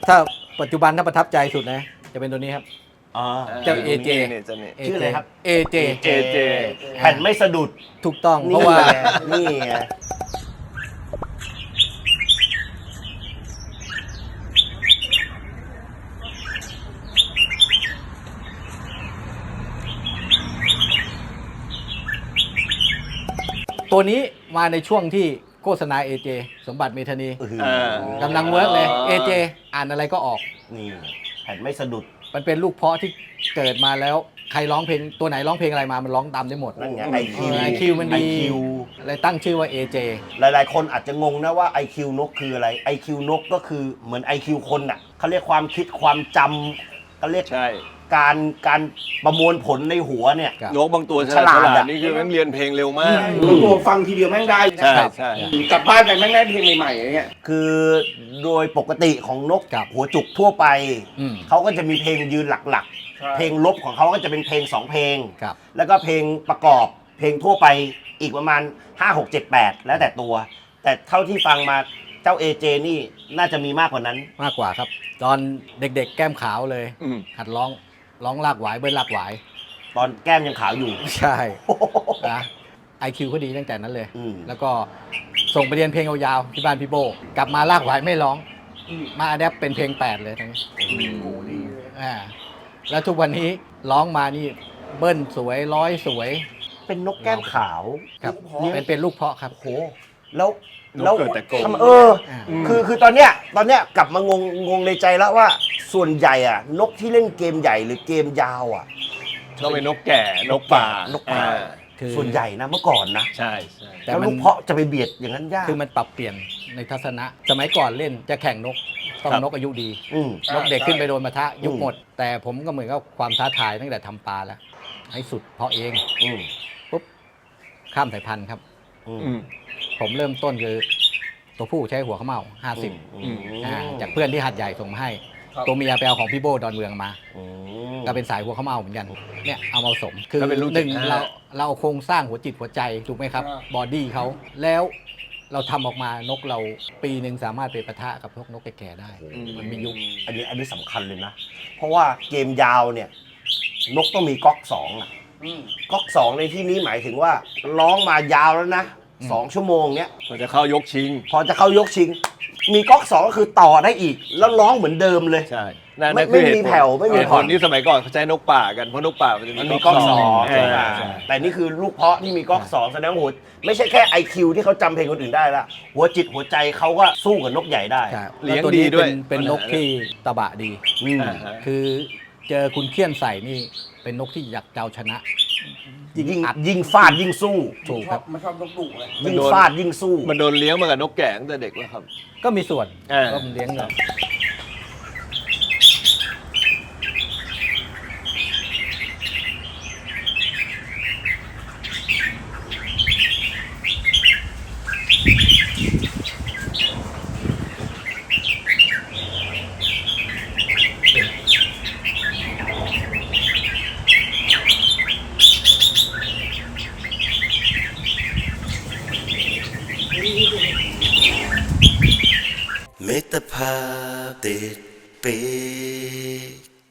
ถ้าปัจจุบันถ้าประทับใจสุดนะจะเป็นตัวนี้ครับอ๋อเจ้า AJ เนี่ยจะเนี่ยชื่ออะไรครับ AJ AJ แผ่นไม่สะดุดถูกต้องเพราะว่านี่ไงตัวนี้มาในช่วงที่โฆษณา AJ สมบัติเมธานี กำลังเวิร์กเลย AJ อ่านอะไรก็ออกนี่แผ่นไม่สะดุดมันเป็นลูกเพาะที่เกิดมาแล้วใครร้องเพลงตัวไหนร้องเพลงอะไรมามันร้องตามได้หมดนั่นไง IQ มันดี IQ เลยตั้งชื่อว่า AJ หลายๆ คนอาจจะงงนะว่า IQ นกคืออะไร IQ นกก็คือเหมือน IQ คนน่ะเขาเรียกความคิดความจำเขาเรียกใช่การประมวลผลในหัวเนี่ยครับนกบางตัวฉฉลาลาดดอะนี่คือแม่งเรียนเพลงเร็วมากบางตัวฟังทีเดียวแม่งได้ใช่ครับใช่กลับบ้านไปแม่งได้เพลงใหม่ๆอย่างเงี้ยคือโดยปกติของนกครับหัวจุกทั่วไปอืมเขาก็จะมีเพลงยืนหลักใช่ๆ เพลงลบของเขาก็จะเป็นเพลง 2 เพลงครับแล้วก็เพลงประกอบเพลงทั่วไปอีกประมาณ 5 6 7 8 แล้วแต่ตัว แต่เท่าที่ฟังมาเจ้า AJ นี่น่าจะมีมากกว่านั้นมากกว่าครับ ตอนเด็กๆแก้มขาวเลยอืมหัดร้องลากหวายเบิ้ลลากหวายตอนแก้มยังขาวอยู่ใช่นะ IQ เขาดีตั้งแต่นั้นเลยอืมแล้วก็ส่งไปเรียนเพลงยาวๆที่บ้านพี่โบ กลับมาลากหวายไม่ร้อง มาอะแดปเป็นเพลง 8 เลยทั้งนี้อ่าแล้วทุกวันนี้ร้องมานี่เบิ้ลสวยร้อยสวยเป็นนกแก้มขาวครับเลี้ยงเป็นลูกเพาะครับโอ้โหแล้วนกเกิดแต่โกงทำอ่าคือตอนเนี้ยกลับมางงในใจแล้วว่าส่วนใหญ่อะนกที่เล่นเกมใหญ่หรือเกมยาวอะก็เป็นนกแก่นกป่านกป่าคือส่วนใหญ่นะเมื่อก่อนนะใช่ใช่แต่แล้วมันลูกเพาะจะไปเบียดอย่างนั้นยากคือมันปรับเปลี่ยนในทัศนะ สมัยก่อนเล่นจะแข่งนกต้องนกอายุดีอืมนกเด็กขึ้นไปโดนมาทะยุบอืมหมด แต่ผมก็เหมือนกับความท้าทายตั้งแต่ทำปลาแล้ว ให้สุดเพาะเองอืมปุ๊บข้ามสายพันธุ์ครับอืมอืมผมเริ่มต้นคือตัวผู้ใช้หัวข้าวเม่า 50 จากเพื่อนที่หัดใหญ่ส่งมาให้ ตัวเมียไปเอาของพี่โบดอนเมืองมาอืมก็เป็นสายหัวข้าวเม่าเหมือนกันเนี่ยเอามาผสมคือก็เป็นลูกหนึ่ง 75 เราเอาโครงสร้างหัวจิตหัวใจถูกไหมครับ บอดี้เขาแล้วเราทำออกมานกเราปีหนึ่งสามารถไปปะทะกับพวกนกแก่ๆได้ มันมียุคอันนี้สำคัญเลยนะ เพราะว่าเกมยาวเนี่ย นกต้องมีก๊อกสองอะก๊อกสองในที่นี้หมายถึงว่าร้องมายาวแล้วนะอืม 2 ชั่วโมงเนี้ยมันจะเข้ายกชิงพอจะเข้ายกชิง มีก๊อกสองก็คือต่อได้อีก แล้วร้องเหมือนเดิมเลยใช่นั่นไม่คือเหตุมีผลแผ่วไม่มีเหตุผ่ผอนลที่สมัยก่อนเขาใช้นกป่ากันเพราะนกป่ามันจะมันมีมีก๊อกสองใช่ใช่แต่นี่คือลูกเพาะที่มีก๊อกสองแสดงว่าหัวไม่ใช่แค่ IQ ที่เขาจำเพลงคนอื่นได้ละหัวจิตหัวใจเขาก็สู้กับนกใหญ่ได้ใช่เลี้ยงแตัวดีนี้ด้วยเป็นนกที่ตะบะดีอืมอ่าฮะคือเจอคุณเคี่ยนใส่นี่เป็นนกที่อยากจะเอาชนะยิ่งฟาดยิ่งสู้ถูกครับมันชอบนกดุเลยยิ่งฟาดยิ่งสู้มันโดนเลี้ยงมากับนกแก่ตั้งแต่เด็กแล้วครับก็มีส่วนอ่าก็มันเลี้ยงแบบมิตรภาพติดปี